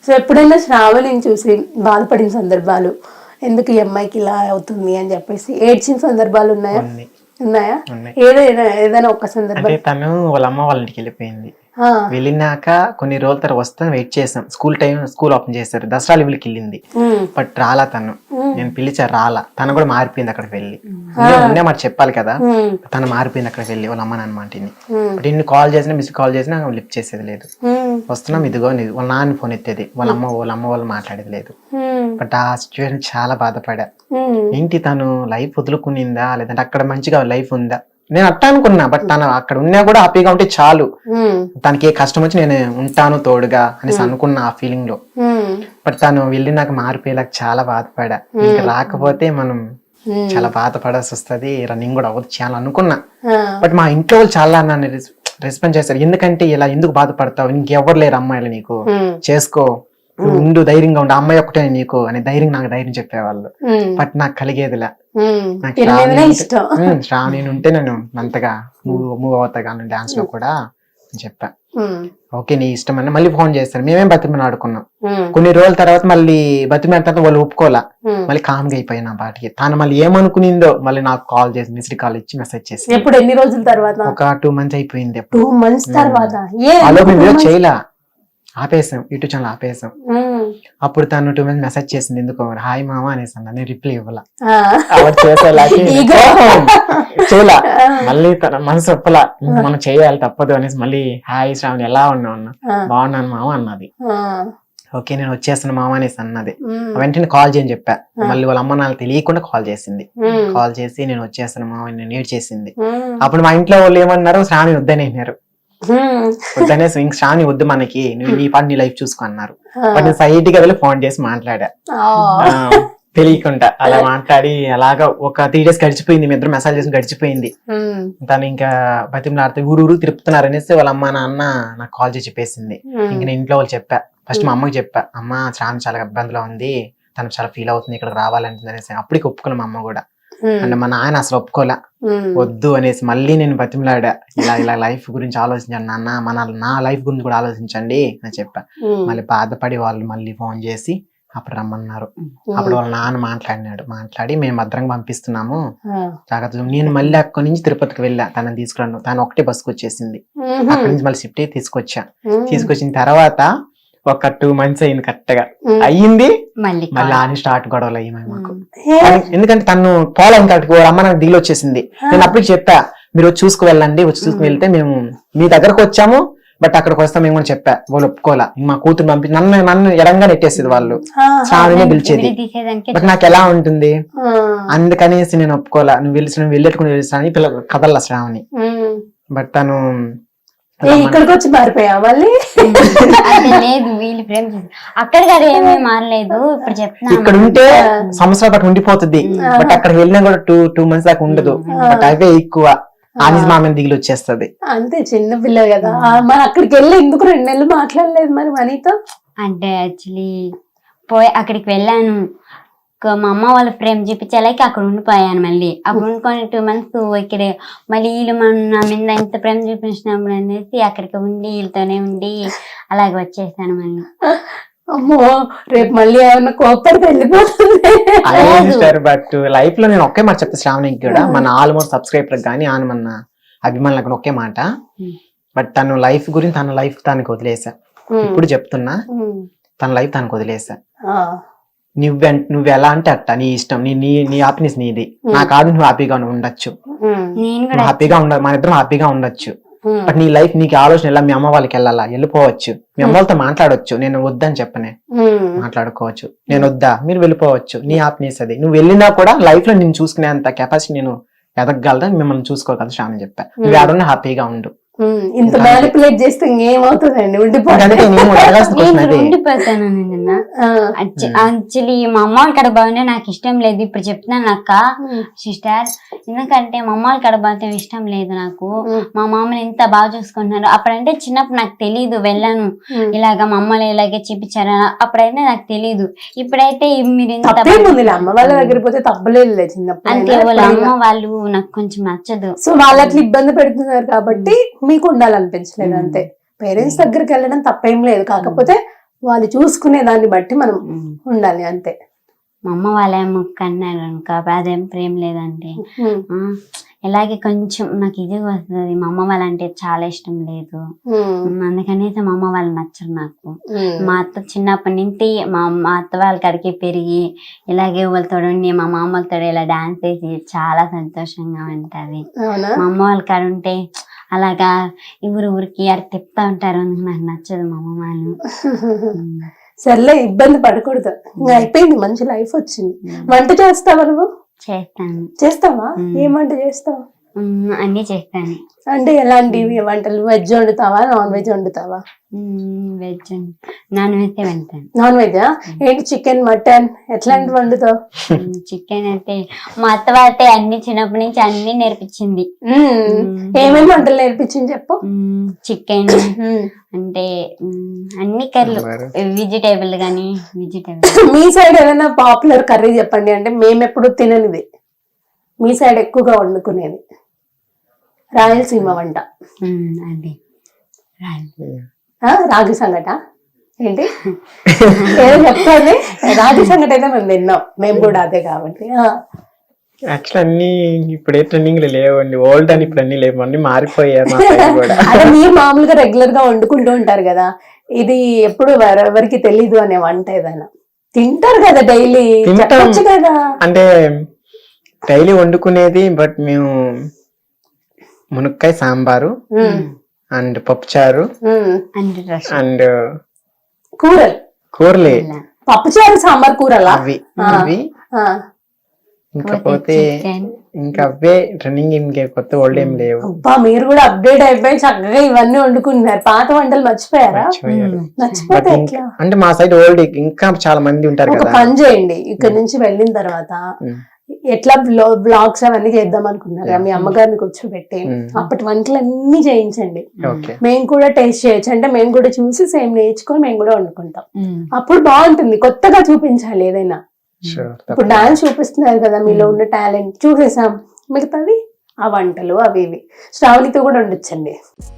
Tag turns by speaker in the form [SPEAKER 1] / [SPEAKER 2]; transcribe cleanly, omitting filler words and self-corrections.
[SPEAKER 1] So ఎప్పుడైనా శ్రావణిని చూసి బాధపడిన సందర్భాలు, ఎందుకు ఈ అమ్మాయికి ఇలా అవుతుంది అని చెప్పేసి ఏడ్చిన సందర్భాలు ఉన్నాయా? ఉన్నాయా? ఏదైనా ఒక సందర్భం?
[SPEAKER 2] అంటే తను వాళ్ళ అమ్మ వాళ్ళ ఇంటికి వెళ్ళిపోయింది. వెళ్ళినాక కొన్ని రోజుల తర్వాత వస్తాను వెయిట్ చేసాం. స్కూల్ ఓపెన్ చేశారు, దసరా లీవ్లకి వెళ్ళింది. బట్ రాలా తను. నేను పిలిచా, రాలా. తను కూడా మారిపోయింది అక్కడికి వెళ్ళి. ముందే మాట చెప్పాలి కదా, తను మారిపోయింది అక్కడికి వెళ్ళి వాళ్ళ అమ్మ నాన్న మాటిని. బట్ ఇన్ని కాల్ చేసినా మిస్ కాల్ చేసినా లిఫ్ట్ చేసేది లేదు. వస్తున్నాం ఇదిగో వాళ్ళ నాన్న ఫోన్ ఎత్తేది, వాళ్ళ అమ్మ వాళ్ళు మాట్లాడేది లేదు. బట్ ఆ సిచ్యువేషన్ చాలా బాధపడా. ఏంటి తను లైఫ్ వదులుకునిందా, లేదంటే అక్కడ మంచిగా లైఫ్ ఉందా? నేను అట్టా అనుకున్నా. బట్ తను అక్కడ ఉన్నా కూడా హ్యాపీగా ఉంటే చాలు, తనకి ఏ కష్టం వచ్చి నేను ఉంటాను తోడుగా అనేసి అనుకున్నా ఆ ఫీలింగ్ లో. బట్ తను వెళ్ళి నాకు మారిపోయేలాగా చాలా బాధపడా. ఇంకా రాకపోతే మనం చాలా బాధపడాల్సి వస్తుంది, రన్నింగ్ కూడా అవ్వదు చాలా అనుకున్నా. బట్ మా ఇంట్లో వాళ్ళు చాలా నన్ను రెస్పాన్స్ చేస్తారు. ఎందుకంటే ఇలా ఎందుకు బాధపడతావు, ఇంకెవ్వరు లేరు అమ్మాయిలు, నీకు చేసుకో, ఉండు, ధైర్యంగా ఉండు, అమ్మాయి ఒక్కటే నీకు అని నాకు ధైర్యం చెప్పేవాళ్ళు. బట్ నాకు కలిగేదిలా. శ్రావణి ఉంటే నేను అంతగా మూవ్ అవుతా కానీ డాన్స్ లో కూడా చెప్పా. ఓకే నీ ఇష్టం అని మళ్ళీ ఫోన్ చేస్తాను. మేమేం బతిమని ఆడుకున్నాం. కొన్ని రోజుల తర్వాత మళ్ళీ బతిమైన తర్వాత వాళ్ళు ఒప్పుకోలా. మళ్ళీ కామ్గా అయిపోయినా బాటికి. తను మళ్ళీ ఏమనుకునిందో మళ్ళీ నాకు కాల్ చేసి మిస్డ్ కాల్ ఇచ్చి మెసేజ్ చేసి.
[SPEAKER 1] ఎప్పుడు ఎన్ని రోజుల తర్వాత?
[SPEAKER 2] ఒక 2 months అయిపోయింది.
[SPEAKER 1] 2 months తర్వాత
[SPEAKER 2] చేయలా, ఆపేసాం, యూట్యూబ్ ఛానల్ ఆపేసాం. అప్పుడు తను 2 months మెసేజ్ చేసింది, ఎందుకు హాయ్ మామ అనేసి అన్నా. నేను రిప్లై ఇవ్వాల, చేయలా. మళ్ళీ తన మనసు ఒప్పలా, మనం చేయాలి తప్పదు అనేసి మళ్ళీ హాయ్ శ్రావణి ఎలా ఉన్నావు అన్న. బాగున్నాను మామ అన్నది. ఓకే నేను వచ్చేస్తాను మామ అనేసి అన్నది. వెంటనే కాల్ చేయని చెప్పా. మళ్ళీ వాళ్ళ అమ్మ నాన్న తెలియకుండా కాల్ చేసింది. కాల్ చేసి నేను వచ్చేస్తాను మామ నేను ఏడ్ చేసింది. అప్పుడు మా ఇంట్లో వాళ్ళు ఏమన్నారు, శ్రావణి వద్దని అన్నారు. వద్దనేసి ఇంక శ్రావణి వద్దు మనకి, నువ్వు నీ పని నీ లైఫ్ చూసుకో అన్నారు. బట్ నేను సైట్ గా వెళ్ళి ఫోన్ చేసి మాట్లాడా, తెలియకుండా అలా మాట్లాడి. అలాగా ఒక 3 days గడిచిపోయింది. మీ ఇద్దరు మెసేజ్ చేసి గడిచిపోయింది. తను ఇంకా బతిమలాడితే ఊరు తిరుపుతున్నారు అనేసి వాళ్ళ అమ్మ నాన్న నాకు కాల్ చేసి చెప్పేసింది. ఇంక నేను ఇంట్లో వాళ్ళు చెప్పా. ఫస్ట్ మా అమ్మకి చెప్పా, అమ్మ శ్రావణి చాలా ఇబ్బందిలో ఉంది, తను చాలా ఫీల్ అవుతుంది, ఇక్కడికి రావాలంటుంది అనేసి. అప్పటికి ఒప్పుకున్నా మా అమ్మ కూడా. అంటే మా నాన్న అసలు ఒప్పుకోలే, వద్దు అనేసి. మళ్ళీ నేను బతిమలాడా, ఇలా లైఫ్ గురించి ఆలోచించండి నాన్న, నా లైఫ్ గురించి కూడా ఆలోచించండి అని చెప్పా. మళ్ళీ బాధపడి వాళ్ళు మళ్ళీ ఫోన్ చేసి అప్పుడు రమ్మన్నారు. అప్పుడు వాళ్ళ నాన్న మాట్లాడి మేము భద్రంగా పంపిస్తున్నాము జాగ్రత్త. నేను మళ్ళీ అక్కడి నుంచి తిరుపతికి వెళ్ళా తనని తీసుకురాను. తను ఒకటే బస్సుకు వచ్చేసింది. అక్కడి నుంచి మళ్ళీ షిఫ్ట్ అయ్యి తీసుకొచ్చిన తర్వాత ఒక 2 months అయింది, కరెక్ట్ గా అయ్యింది. మళ్ళీ ఆని స్టార్ట్ గొడవలు అయ్యాయి మాకు. ఎందుకంటే తను పోలేం కరెక్ట్, అమ్మ నాకు దిగులు వచ్చేసింది. నేను అప్పటికి చెప్పా, మీరు వచ్చి చూసుకు వెళ్ళండి, వచ్చి చూసుకు వెళ్తే మేము మీ దగ్గరకు వచ్చాము, బట్ అక్కడికి వస్తాం మేము కూడా చెప్పా. వాళ్ళు ఒప్పుకోలా. మా కూతురు పంపి నన్ను ఎడంగా నెట్టేసేది వాళ్ళు, శ్రావణినే పిలిచేది. బట్ నాకు ఎలా ఉంటుంది అందుకనేసి నేను ఒప్పుకోలా. నువ్వు వెళ్ళేట్టుకుని తెలుసా అని కదల్లా శ్రావణి. బట్ తను
[SPEAKER 1] ఇక్కడికి వచ్చి మారిపోయా మళ్ళీ.
[SPEAKER 3] లేదు వీళ్ళు ప్రేమ అక్కడికి అది ఏమీ మారలేదు. ఇప్పుడు చెప్తున్నా,
[SPEAKER 2] ఇక్కడ ఉంటే సంవత్సరాల పాటు ఉండిపోతుంది. బట్ అక్కడికి వెళ్ళినా కూడా 2 months దాకా ఉండదు. బట్ అవే ఎక్కువ ఆనిస్ మామని దిగులు వచ్చేస్తుంది.
[SPEAKER 1] అంతే, చిన్న పిల్ల కదా. మరి అక్కడికి వెళ్ళి ఎందుకు 2 నెలలు మాట్లాడలేదు మరి మనీతో? అంటే
[SPEAKER 3] యాక్చువల్లీ అక్కడికి వెళ్ళాను, మా అమ్మ వాళ్ళ ప్రేమ చూపించాలకి అక్కడ ఉండిపోయాను. మళ్ళీ అక్కడ ఉండుకొని 2 months ఇక్కడ మళ్ళీ వీళ్ళు నా మీద ఎంత ప్రేమ చూపించినప్పుడు అనేసి అక్కడికి ఉండి వీళ్ళతోనే ఉండి అలాగే వచ్చేసాను మళ్ళీ.
[SPEAKER 1] అమ్మో, రేపు మళ్ళీ ఏమన్నా కోపడితే వెళ్ళిపోతుంది.
[SPEAKER 2] బట్ లైఫ్ లో నేను ఒకే మాట చెప్తా శ్రావణికి కూడా, మన ఆల్మోస్ట్ సబ్స్క్రైబర్ కానీ మన అభిమానులకు ఒకే మాట. బట్ తన లైఫ్ గురించి తన లైఫ్ తనకి వదిలేసా. ఇప్పుడు చెప్తున్నా, తన లైఫ్ తనకు వదిలేసా. నువ్వు ఎలా అంటే అట్ట, నీ ఇష్టం, నీ హ్యాపీనెస్ నీది. నా కాదు నువ్వు హ్యాపీగా ఉండొచ్చు, హ్యాపీగా మన ఇద్దరం హ్యాపీగా ఉండొచ్చు. బట్ నీ లైఫ్ నీకు ఆలోచన ఎలా, మీ అమ్మ వాళ్ళకి వెళ్ళిపోవచ్చు, మీ అమ్మ వాళ్ళతో మాట్లాడవచ్చు. నేను వద్దని చెప్పనే, మాట్లాడుకోవచ్చు. నేను వద్దా, మీరు వెళ్ళిపోవచ్చు, నీ హ్యాపీనెస్ అది. నువ్వు వెళ్ళినా కూడా లైఫ్ లో నేను చూసుకునేంత కెపాసిటీ నేను ఎదగగలదా, మిమ్మల్ని చూసుకోగలదు శ్రావణి చెప్పా. నువ్వు ఆడున్నా హ్యాపీగా ఉండు.
[SPEAKER 1] ఇంత మ్యానిపులేట్ చేస్తే ఇంకేమవుతుందండి,
[SPEAKER 3] ఉండిపోతాను. యాక్చువల్లీ మా అమ్మ వాళ్ళ కడ బాగుంటే నాకు ఇష్టం లేదు. ఇప్పుడు చెప్తున్నాను అక్క సిస్టర్, ఎందుకంటే మా అమ్మ వాళ్ళ కడ బాగుంటే ఇష్టం లేదు నాకు. మా మామని ఎంత బాగా చూసుకుంటున్నారు. అప్పుడంటే చిన్నప్పుడు నాకు తెలీదు, వెళ్ళాను ఇలాగా మా అమ్మలు ఇలాగే చూపించారు, అప్పుడైతే నాకు తెలీదు. ఇప్పుడైతే మీరు
[SPEAKER 1] అమ్మ వాళ్ళ దగ్గర పోతే తప్పలేదు చిన్నప్పుడు.
[SPEAKER 3] అంతే, వాళ్ళ అమ్మ వాళ్ళు నాకు కొంచెం నచ్చదు.
[SPEAKER 1] సో వాళ్ళకి ఇబ్బంది పెడుతున్నారు కాబట్టి మీకు ఉండాలనిపించలేదు అంతే. పేరెంట్స్ దగ్గరికి వెళ్ళడం తప్పేం లేదు, కాకపోతే వాళ్ళు చూసుకునే దాన్ని బట్టి మనం ఉండాలి అంతే.
[SPEAKER 3] మా అమ్మ వాళ్ళేమో కన్నారు అనుకో అదేం ప్రేమ లేదంటే ఇలాగే కొంచెం నాకు ఇది వస్తుంది. మా అమ్మ వాళ్ళంటే చాలా ఇష్టం లేదు, అందుకనేసి మా అమ్మ వాళ్ళు నచ్చరు నాకు. మా అత్త చిన్నప్పటి నుంచి మా అత్త వాళ్ళ కాడికి పెరిగి ఇలాగే వాళ్ళతో ఉండి మా మామలతో ఇలా డాన్స్ చేసి చాలా సంతోషంగా ఉంటది. మా అమ్మ వాళ్ళ కాడ ఉంటే అలాగా ఊరికి అక్కడ తిప్పుతా ఉంటారు, అందుకు నాకు నచ్చదు మా అమ్మ వాళ్ళు.
[SPEAKER 1] సర్లే, ఇబ్బంది పడకూడదు, ఇంకా అయిపోయింది, మంచి లైఫ్ వచ్చింది. వంట చేస్తావా నువ్వు?
[SPEAKER 3] చేస్తాను.
[SPEAKER 1] చేస్తావా? ఏం వంట చేస్తావు?
[SPEAKER 3] అన్ని చేస్తాను.
[SPEAKER 1] అంటే ఎలాంటివి వంటలు? వెజ్ వండుతావా, నాన్ వెజ్ వండుతావా?
[SPEAKER 3] వెజ్, నాన్ వెజ్ వండుతాను.
[SPEAKER 1] నాన్ వెజ్ ఏంటి? చికెన్, మటన్ ఎట్లాంటి వండుతావు?
[SPEAKER 3] చికెన్ అయితే మా అత్త వాళ్ళతే అన్ని చిన్నప్పటి నుంచి అన్ని నేర్పించింది.
[SPEAKER 1] ఏమేమి వంటలు నేర్పించింది చెప్పు.
[SPEAKER 3] చికెన్ అంటే అన్ని కర్రీలు, వెజిటేబుల్ గానీ వెజిటేబుల్.
[SPEAKER 1] మీ సైడ్ ఏదైనా పాపులర్ కర్రీ చెప్పండి, అంటే మేము ఎప్పుడు తిననిది మీ సైడ్ ఎక్కువగా వండుకునేది. రాయలసీమ వంట.
[SPEAKER 3] అది
[SPEAKER 1] రాగి సంగట ఏంటి ఏదో చెప్తాను. రాగి సంగట అయితే మేము తిన్నాం, మేము కూడా అదే కాబట్టి.
[SPEAKER 2] యాక్చువల్ అన్ని ఇప్పుడే ట్రెండింగ్ లేవండి, ఓల్డ్ అని ఇప్పుడు అన్ని లేవు, అన్ని మారిపోయారు.
[SPEAKER 1] అదే మీరు మామూలుగా రెగ్యులర్ గా వండుకుంటూ ఉంటారు కదా, ఇది ఎప్పుడు ఎవరికి తెలీదు అనే వంట ఏదైనా తింటారు కదా డైలీ, చెప్పొచ్చు కదా.
[SPEAKER 2] అంటే డైలీ వండుకునేది, బట్ మేము మునక్కాయ సాంబారు అండ్ పప్పుచారు అండ్ కూరలే,
[SPEAKER 1] పప్పుచారు సాంబార్ కూరలా
[SPEAKER 2] అవి ఇంకపోతే ఇంకా అవే ట్రెండింగ్, ఇంకే కొత్త ఓల్డ్ ఏం లేవు.
[SPEAKER 1] అబ్బా, మీరు కూడా అప్డేట్ అయిపోయి చక్కగా ఇవన్నీ వండుకుంటున్నారు. పాత వంటలు మర్చిపోయారా? మర్చిపోతే
[SPEAKER 2] అంటే మా సైడ్ ఓల్డ్ ఇంకా చాలా మంది ఉంటారు
[SPEAKER 1] ఒక
[SPEAKER 2] కదా.
[SPEAKER 1] పని చేయండి, ఇక్కడ నుంచి వెళ్ళిన తర్వాత ఎట్లా బ్లాగ్స్ అవన్నీ చేద్దాం అనుకున్నారు, మీ అమ్మగారిని కూర్చోబెట్టి అప్పటి వంటలు అన్ని చేయించండి, మేము కూడా టేస్ట్ చేయొచ్చు. అంటే మేము కూడా చూసి సేమ్ నేర్చుకొని మేము కూడా వండుకుంటాం. అప్పుడు బాగుంటుంది, కొత్తగా చూపించాలి ఏదైనా. ఇప్పుడు డాన్స్ చూపిస్తున్నారు కదా, మీలో ఉన్న టాలెంట్ చూసేసాం, మిగతాది ఆ వంటలు అవి ఇవి శ్రావణితో కూడా ఉండొచ్చండి.